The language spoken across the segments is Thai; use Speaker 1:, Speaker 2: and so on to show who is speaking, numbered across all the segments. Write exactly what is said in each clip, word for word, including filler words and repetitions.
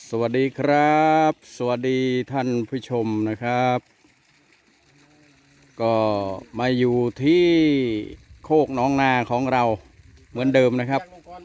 Speaker 1: สวัสดีครับ สวัสดีท่านผู้ชมนะครับ ก็มาอยู่ที่โคกหนองนาของเราเหมือนเดิมนะครับ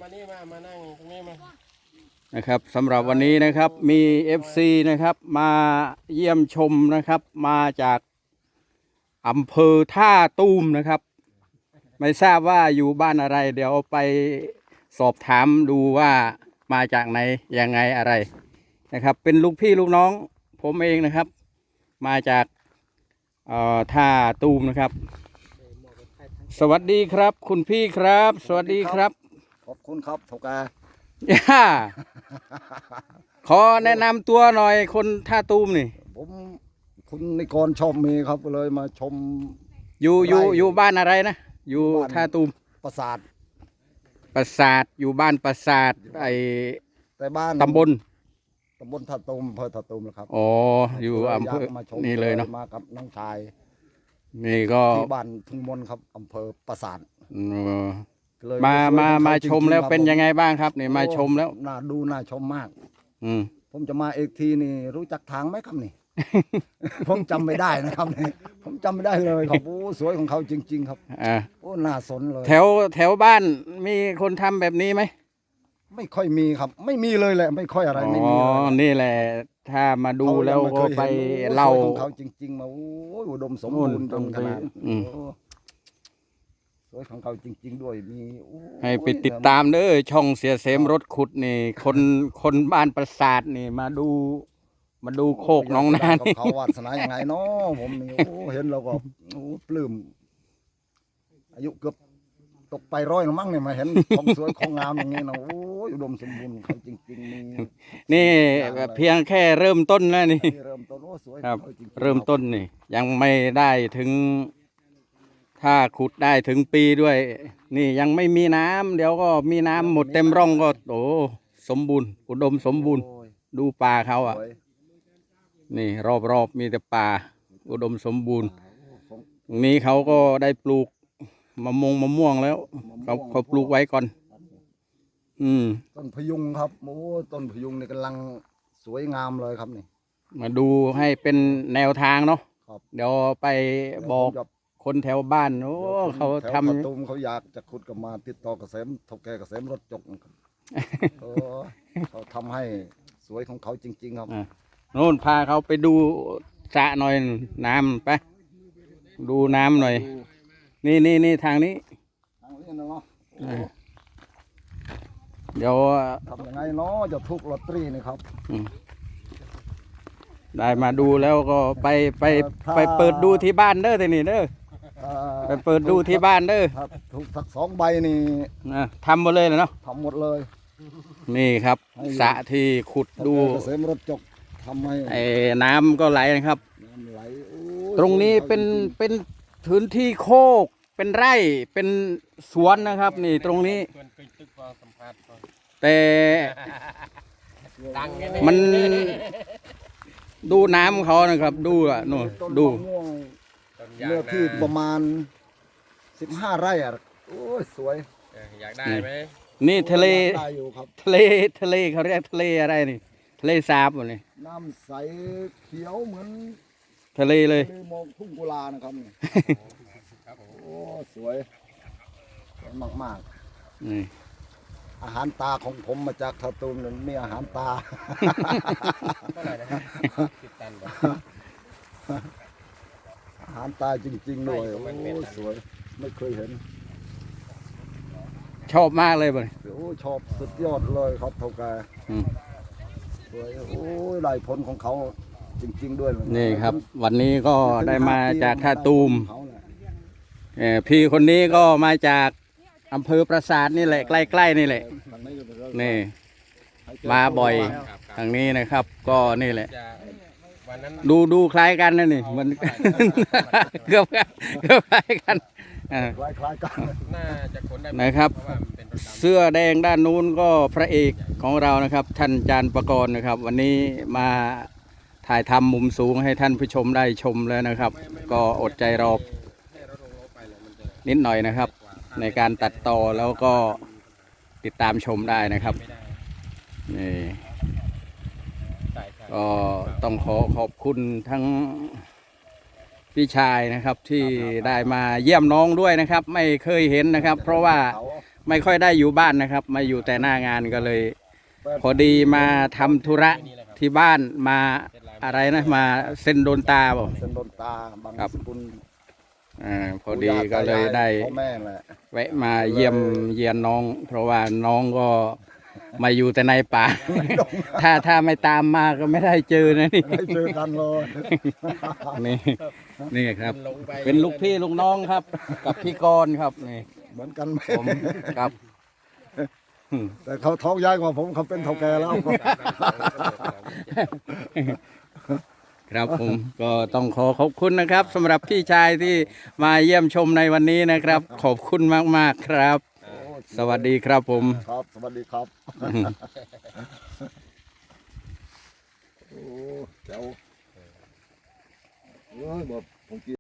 Speaker 1: นะครับสำหรับวันนี้นะครับมี เอฟ ซี นะครับมาเยี่ยมชมนะครับมาจากอำเภอท่าตูมนะครับไม่ทราบว่าอยู่บ้านอะไรเดี๋ยวไปสอบถามดูว่ามาจากไหนยังไงอะไรนะครับเป็นลูกพี่ลูกน้องผมเองนะครับมาจากท่าตูมนะครับสวัสดีครับคุณพี่ครับสวัสดีครับ
Speaker 2: ขอบคุณครับทุกา
Speaker 1: ย่าขอแนะนำตัวหน่อยคนท่าตูมนี่
Speaker 2: ผมคุณนิกรชอบมีครับเลยมาชม
Speaker 1: อยู่อยู่อยู่บ้านอะไรนะอยู่ท่าตูม
Speaker 2: ปราสาท
Speaker 1: ปราสาทอยู่บ้านปราสาทไอ
Speaker 2: แต่บ้าน
Speaker 1: ตำบล
Speaker 2: ตำบลท่าตูมอำเภอท่าตูมนะครับ
Speaker 1: อ๋ออยู่อำเภอนี่เลยเนาะ
Speaker 2: มากับน้องชาย
Speaker 1: นี่ก็
Speaker 2: ที่บ้านทุ่งมนครับอำเภอปราสาท
Speaker 1: มามามาชมแล้วเป็นยังไงบ้างครับนี่มาชมแล้ว
Speaker 2: น่าดูน่าชมมาก
Speaker 1: อืม
Speaker 2: ผมจะมาเอกทีนี่รู้จักทางไหมครับนี่ ผมจำไม่ได้นะครับนี่ผมจำไม่ได้เลยครับโอ้สวยของเขาจริงๆครับ
Speaker 1: อ่า
Speaker 2: โอ้น่าสนเลย
Speaker 1: แถวแถวบ้านมีคนทำแบบนี้ไหม
Speaker 2: ไม่ค่อยมีครับไม่มีเลยแหละไม่ค่อยอะไรไม่มีเลย
Speaker 1: อ๋อนี่แหละถ้ามาดูแล้วก็ไปเล่า
Speaker 2: ของเขาจริงๆมาโอ้ยอุดมสมบูรณ์จนขนาดสวยของเขาจริงๆด้วยมี
Speaker 1: ให้ไปติดตามเด้อช่องเสียเสมรถขุดนี่คนคนบ้านปราสาทนี่มาดูมาดูโคกน้องนานี่
Speaker 2: เขาวาสนาอย่างไงเนาะผมนี่โอ้เห็นเราก็โอ้ปลื้มอายุเกือบตกไปร้อยแล้วมั้งเนี่ยมาเห็นของสวยของงามอย่างนี้นะโอ้ยอุดมสมบูรณ์เขาจริงๆนี่
Speaker 1: นี่แบบเพียงแค่เริ่มต้นแล้วนี่
Speaker 2: เริ่มต้นโอ้สวย
Speaker 1: ครับเริ่มต้นนี่ยังไม่ได้ถึงถ้าขุดได้ถึงปีด้วยนี่ยังไม่มีน้ำเดี๋ยวก็มีน้ำหมดเต็มร่องก็โอ้สมบูรณ์อุดมสมบูรณ์ดูป่าเขาอ่ะนี่รอบๆมีแต่ป่าอุดมสมบูรณ์ตรงนี้เขาก็ได้ปลูกมะม่วงมะม่วงแล้วเขาเขาปลูกไว้ก่อนอืม
Speaker 2: ต้นพยุงครับโอ้ต้นพยุงนี่กำลังสวยงามเลยครับนี่
Speaker 1: มาดูให้เป็นแนวทางเนาะเดี๋ยวไปบอกคนแถวบ้านโอ้เขาทำ
Speaker 2: ตูมเขาอยากจะขุดกับมาติดต่อเกษมทกแกเกษมรถจกครับเขาทำให้สวยของเขาจริงๆครับ
Speaker 1: โน่นพาเขาไปดูสระหน่อยน้ำไปดูน้ำหน่อยนี่นี่นี่ทางนี้
Speaker 2: ทางนี้นะเนาะ
Speaker 1: เดี๋ยว
Speaker 2: ทำยังไงเนาะจะทุกลอตเตอรี่นี่ครับ
Speaker 1: ได้มาดูแล้วก็ไปไปไปเปิดดูที่บ้านเด้อทีนี้เด้อไปเปิดดูที่บ้านเด้อ
Speaker 2: ถูกสักสองใบนี่
Speaker 1: ทำหมดเลยเนาะ
Speaker 2: ทำหมดเลย
Speaker 1: นี่ครับสระที่ขุดดู
Speaker 2: เกษมรถจกทำให้
Speaker 1: ไอ้น้ำก็ไหลนะครับตรงนี้เป็นเป็นพื้นที่โคกเป็นไร่เป็นสวนนะครับนี่ตรงนี้แต่มันดูน้ำเขานะครับดูอ่ะนู่นดู
Speaker 2: เนื้อที่ประมาณสิบห้าไร่อ่ะโอ้ยสวย
Speaker 1: อยากได้ไหมนี่ทะเลทะเลทะเลเขาเรียกทะเลอะไรนี่ทะเลสาบวะนี่
Speaker 2: น้ำใสเขียวเหมือน
Speaker 1: ทะเลเลย
Speaker 2: มองทุ่งกุลานะครับนี่โอ้สวยสวยมากๆนี่อาหารตาของผมมาจากท่าตูมนั่นมีอาหารตาเท่าไหร่นะครับสิบตันอาหารตาจริงๆด้วยโอ้สวยไม่เคยเห็น
Speaker 1: ชอบมากเลยบ่
Speaker 2: โอ้ชอบสุดยอดเลยครับเท่าแก่สวยโอ้ยลายผลของเขาจริงๆด้วย
Speaker 1: นี่ครับวันนี้ก็ได้มาจากท่าตูมพี่คนนี้ก็มาจากอำเภอปราสาทนี่แหละใกล้ๆนี่แหละนี่มาบ่อยทางนี้นะครับก็นี่แหละดูดูคล้ายกันนะนี่มันเกือบเกือบคล้ายกันนะครับเสื้อแดงด้านนู้นก็พระเอกของเรานะครับท่านจานประกรณ์นะครับวันนี้มาถ่ายทำมุมสูงให้ท่านผู้ชมได้ชมแล้วนะครับก็อดใจรอนิดหน่อยนะครับในการตัดต่อแล้วก็ติดตามชมได้นะครับนี่ก็ต้องขอขอบคุณทั้งพี่ชายนะครับที่ได้มาเยี่ยมน้องด้วยนะครับ ไม่เคยเห็นนะครับ เพราะว่าไม่ค่อยได้อยู่บ้านนะครับ มาอยู่แต่หน้างานก็เลย พอดีมาทำธุระที่บ้านมาอะไรนะมาเส้นโดนตาบ่
Speaker 2: เส้นโดนตาบาง
Speaker 1: ครับ
Speaker 2: สกุล
Speaker 1: อ่าพอดีก็เลยได้
Speaker 2: พ่อแม่แหละ
Speaker 1: แวะมาเยี่ยมเยียนน้อง เพราะว่าน้องก็มาอยู่แต่ในป่า ถ้าถ้าไม่ตามมาก็ไม่ได้เจอนะนี่
Speaker 2: ไม่เจอกันเลย
Speaker 1: นี่นี่ครับ เป็นลูกพี่ลูกน้องครับ กับพี่กรณ์ครับนี่
Speaker 2: เหมือนกันไหม
Speaker 1: ผมครับ
Speaker 2: แต่เขาท้องย้ายกว่าผมเขาเป็นเท่าแก่แล้ว
Speaker 1: ครับผมก็ต้องขอขอบคุณนะครับสำหรับพี่ชายที่มาเยี่ยมชมในวันนี้นะครับ ขอบคุณมากๆครับ สวัสดีครับผม
Speaker 2: ครับ สวัสดีครับ โอ้เจ้าเอ้ยบอกผมกิน